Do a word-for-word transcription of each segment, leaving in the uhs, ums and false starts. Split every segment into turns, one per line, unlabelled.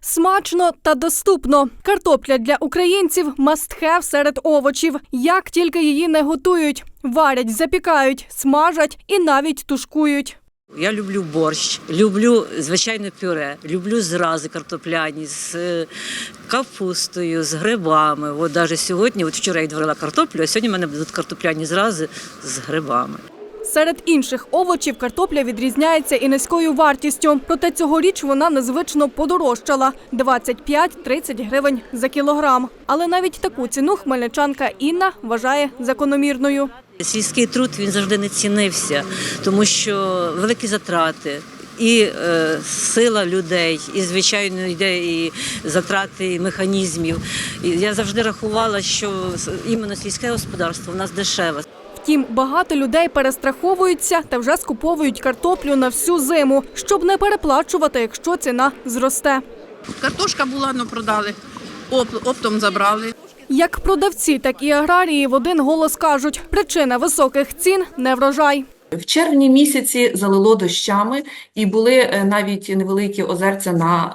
Смачно та доступно. Картопля для українців – must-have серед овочів. Як тільки її не готують. Варять, запікають, смажать і навіть тушкують.
Я люблю борщ, люблю, звичайно, пюре, люблю зрази картопляні з капустою, з грибами. От навіть сьогодні, от вчора я відварила картоплю, а сьогодні в мене будуть картопляні зрази з грибами.
Серед інших овочів картопля відрізняється і низькою вартістю. Проте цьогоріч вона незвично подорожчала – двадцять п'ять - тридцять гривень за кілограм. Але навіть таку ціну хмельничанка Інна вважає закономірною.
Сільський труд, він завжди не цінився, тому що великі затрати. І е, сила людей, і, звичайно, йде і затрати механізмів. І я завжди рахувала, що іменно сільське господарство у нас дешеве.
Втім, багато людей перестраховуються та вже скуповують картоплю на всю зиму, щоб не переплачувати, якщо ціна зросте.
Картошка була, ну продали, Оп, оптом забрали.
Як продавці, так і аграрії в один голос кажуть, причина високих цін – неврожай.
В червні місяці залило дощами і були навіть невеликі озерця на,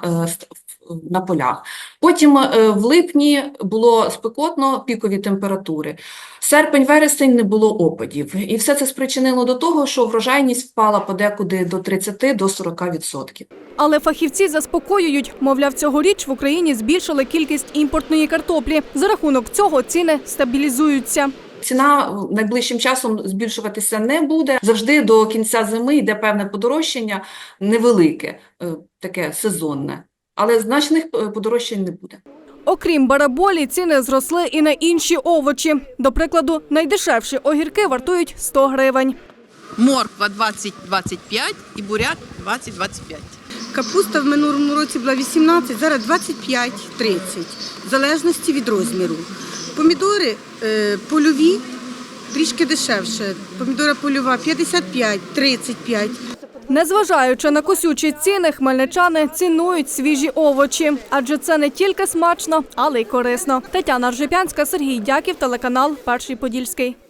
на полях. Потім в липні було спекотно, пікові температури. Серпень-вересень не було опадів. І все це спричинило до того, що врожайність впала подекуди до тридцяти до сорока відсотків.
Але фахівці заспокоюють, мовляв, цьогоріч в Україні збільшили кількість імпортної картоплі. За рахунок цього ціни стабілізуються.
Ціна найближчим часом збільшуватися не буде. Завжди до кінця зими йде певне подорожчання, невелике, таке сезонне. Але значних подорожчань не буде.
Окрім бараболі, ціни зросли і на інші овочі. До прикладу, найдешевші огірки вартують сто гривень.
Морква двадцять - двадцять п'ять і буряк двадцять - двадцять п'ять.
Капуста в минулому році була вісімнадцять, зараз двадцять п'ять - тридцять, в залежності від розміру. Помідори е, польові трішки дешевше. Помідора польова п'ятдесят п'ять - тридцять п'ять.
Незважаючи на косючі ціни, хмельничани цінують свіжі овочі. Адже це не тільки смачно, але й корисно. Тетяна Ржепянська, Сергій Дяків, телеканал «Перший Подільський».